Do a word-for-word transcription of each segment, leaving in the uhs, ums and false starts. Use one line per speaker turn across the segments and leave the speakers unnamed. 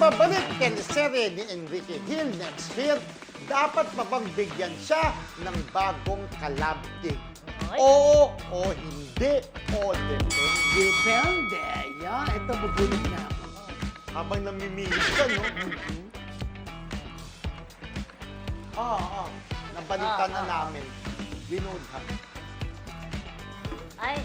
Nagbabalik teleserye ni Enrique Hill next year, dapat pa bang bigyan siya ng bagong kalabtig?
Ay.
Oo o hindi o depende.
Depende. Yan, ito bubulit na ako.
Habang namimili ka, no? Oo, oo. Nabalita
Ah,
na
ah,
namin. Binudha.
Ay.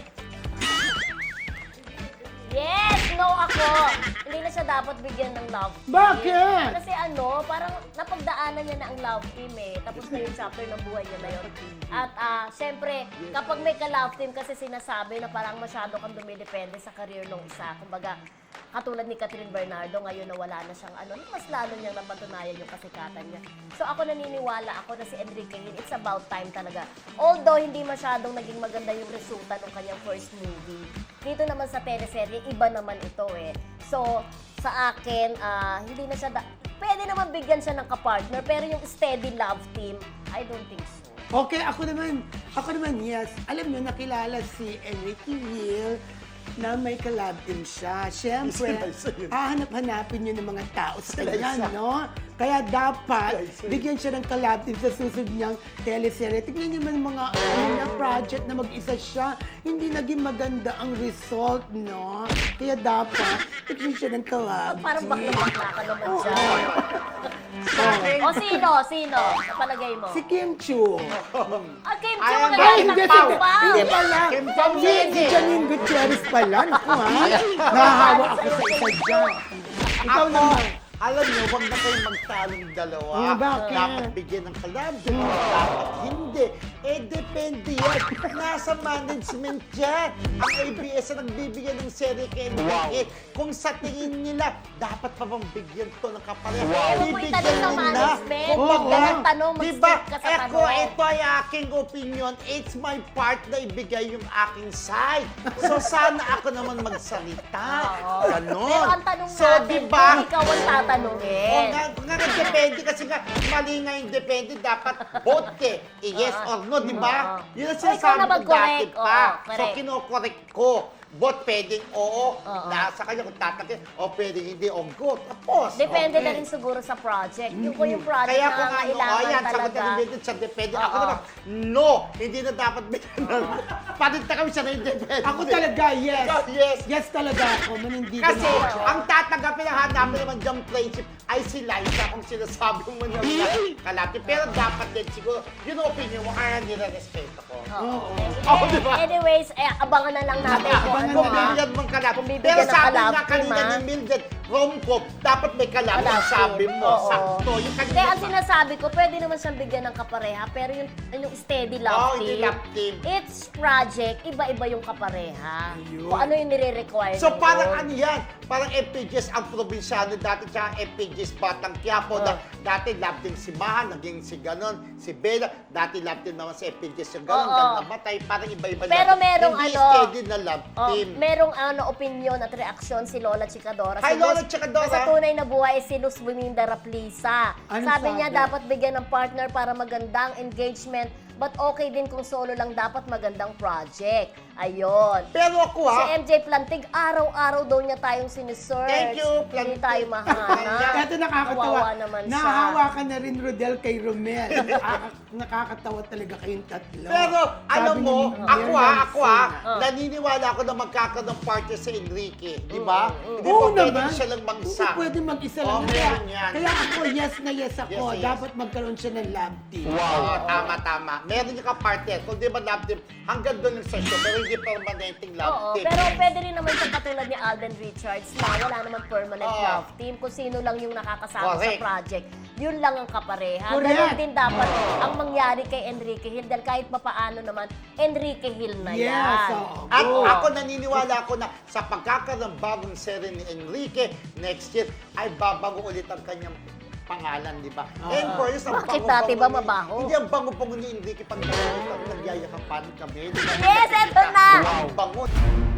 Yes! No ako! Hindi na siya dapat bigyan ng love team.
Bakit?
Kasi ano, parang napagdaanan niya na ang love team eh. Tapos na yung chapter ng buhay niya na yun. At ah, syempre, kapag may ka-love team kasi sinasabi na parang masyado kang dumidepende sa career ng isa. Kumbaga, katulad ni Catherine Bernardo, ngayon na wala na siyang ano, mas lalo niyang napatunayan yung kasikatan niya. So ako naniniwala ako na si Enrique Hill, it's about time talaga. Although hindi masyadong naging maganda yung resulta ng kanyang first movie, dito naman sa teleserye, iba naman ito eh. So, sa akin, ah, hindi na siya, da- pwede naman bigyan siya ng kapartner, pero yung steady love team, I don't think so.
Okay, ako naman, ako naman, yes. Alam niyo, nakilala si Enrique Hill na may collab din siya. Siyempre,
Isa na isa yun.
hahanap-hanapin niyo ng mga tao sa
Isa na
kanya,
isa.
no? Kaya dapat,
Isa na isa yun.
bigyan siya ng collab din sa susunod niyang teleserye. Tignan niyo man mga ano na project na mag-isa siya. Hindi naging maganda ang result, no? Kaya dapat, bigyan siya ng collab.
Parang bakla-bakla ka naman
Oo.
siya. O sino? Sino? Sa palagay mo?
Si Kim Chu.
Ah, Kim
Ay,
Chiu,
ang
maganda
galing
ng
din.
Pau
Hindi,
Pau.
hindi pala.
Kim Pao
Si,
yan
si
eh.
Janine Gutierrez pala. Naku ha. Nahahawa ako sa isa dyan. Ikaw
Ako,
naman.
alam niyo, wag na kayong magtalong dalawa.
Ah, bakit?
Dapat bigyan ng kalab, dapat hindi. Eh, depende yan. Nasa management yan. Ang A B S ang nagbibigyan ng serye kay Enrique. Kung sa tingin nila, dapat pa bang bigyan to ng kapareha?
Eh, wag mo
Bibigyan
itanong sa
nila.
management.
Kung
Oo.
baga,
Ang tanong,
diba,
mag-stick ka sa
Eko,
tanong.
ito ay aking opinion. It's my part na ibigay yung aking side. So, sana ako naman magsalita.
Oo.
Ganon.
Pero ang tanong
so,
natin,
diba,
kung ikaw ang tatanungin.
o nga, nga nga, depende kasi nga, mali nga yung depende, dapat both eh. Eh, yes or no, di ba?
Oo.
Yun ang
O, ikaw
sinasabi
na
ko dati
mag-correct.
pa.
Oo,
So,
correct.
kinokorek ko. Both pwedeng oo,
Oo.
nasa kanya kung tatakin, o pwedeng hindi, o go. Tapos.
Depende
okay.
na rin siguro sa project. Yung kung yung project
Kaya
na
kung ano,
kailangan
oh, yan, sagot
talaga.
na rin sa depende. Ako
Oo.
naman, no, hindi na dapat bigyan ng, paninta kami sa depende.
Ako talaga, yes.
Ikaw, yes.
Yes talaga ako. Manindigan
Kasi
ako.
ang tatanggapin ang hanapin naman diyang friendship ay si Liza kung sinasabi mo na mga kalati. Pero dapat din siguro, yun ang opinion mo, kaya nire-respeto ko.
Oo.
Oo, di ba?
Anyways, eh, abangan na lang natin kung
Abangan
ano
Kung
na.
ha.
bibigyan mong kalati.
Kung bibigyan
Pero
ng
sabi
kalati,
nga kanina
ha?
ni Mildred, rom-com, dapat may kalati.
Kalati.
Sabi mo,
Oo.
sakto. Yung kanina
Kaya ang
pa.
sinasabi ko, pwede naman siyang bigyan ng kapareha, pero yung, yung steady
Oo,
love
hindi
team,
love team.
each project, iba-iba yung kapareha.
Ayun.
Kung ano yung nire-require
So
nila.
parang ano yan, parang F P Gs ang probinsyano dati, tsaka F P Gs Batang Quiapo.
Oh.
Na, dati love team si Mahan, naging si Ganon, si Bella, dati love team naman si F P Gs yung Ganon,
Oo.
ganon namatay, parang iba-iba
Pero
lang.
merong
Hindi
ano,
steady na love
Oh,
team.
merong ano opinion at reaksyon si Lola Chicadora.
Hi,
Si
Lola
Luz-
Chicadora.
na Sa tunay na buhay, si Luz Buminda Raplisa.
Anong
Sabi niya,
sabi?
dapat bigyan ng partner para magandang engagement. But okay din kung solo lang dapat magandang project. Ayun.
Pero ako
Si
ha,
M J Plantig, araw-araw daw niya tayong sinesearch.
Thank you,
Hindi
Plantig.
tayo mahanap.
Ito nakakatawa.
Kawawa naman siya.
Nahahawa ka na rin, Rodel, kay Romel. Nakaka- nakakatawa talaga kayong tatlo.
pero alam
Sabi
mo,
ni
ako
Miriam
ha, ako ha,
Oh.
naniniwala ako na magkakaroon ng partner si Enrique, di ba? Hindi
Oo
pa pwede
naman.
siya lang mag-isa.
Hindi pwede mag-isa
Oh,
lang. Kaya,
meron yan.
kaya ako, yes na yes ako.
Yes na yes.
Dapat magkaroon siya ng love team.
Oo, tama, tama. Meron yung ka-partner. Kung di ba love team, hanggang doon yung sa show, pero hindi permanenteng love
Oo,
team.
pero pwede rin naman sa katulad ni Alden Richards na wala naman permanent
Oo.
love team. Kung sino lang yung nakakasama
Correct.
sa project, yun lang ang kapareha.
Correct.
Ganon din dapat ang mangyari kay Enrique Hill dahil kahit papaano naman, Enrique Hill na
Yes,
yan.
oo.
At
Oo.
ako naniniwala ako na sa pagkakaroon ng bagong serye ni Enrique next year, ay babago ulit ang kanyang pangalan, di ba?
Oo.
And for this, ang
Bakit
bango-bango
dati ba
ni-
mabaho?
Hindi, ang bango-bango ni Enrique pag nagyayakapan kami. di ba?
Yes, eto na!
Wow, bango.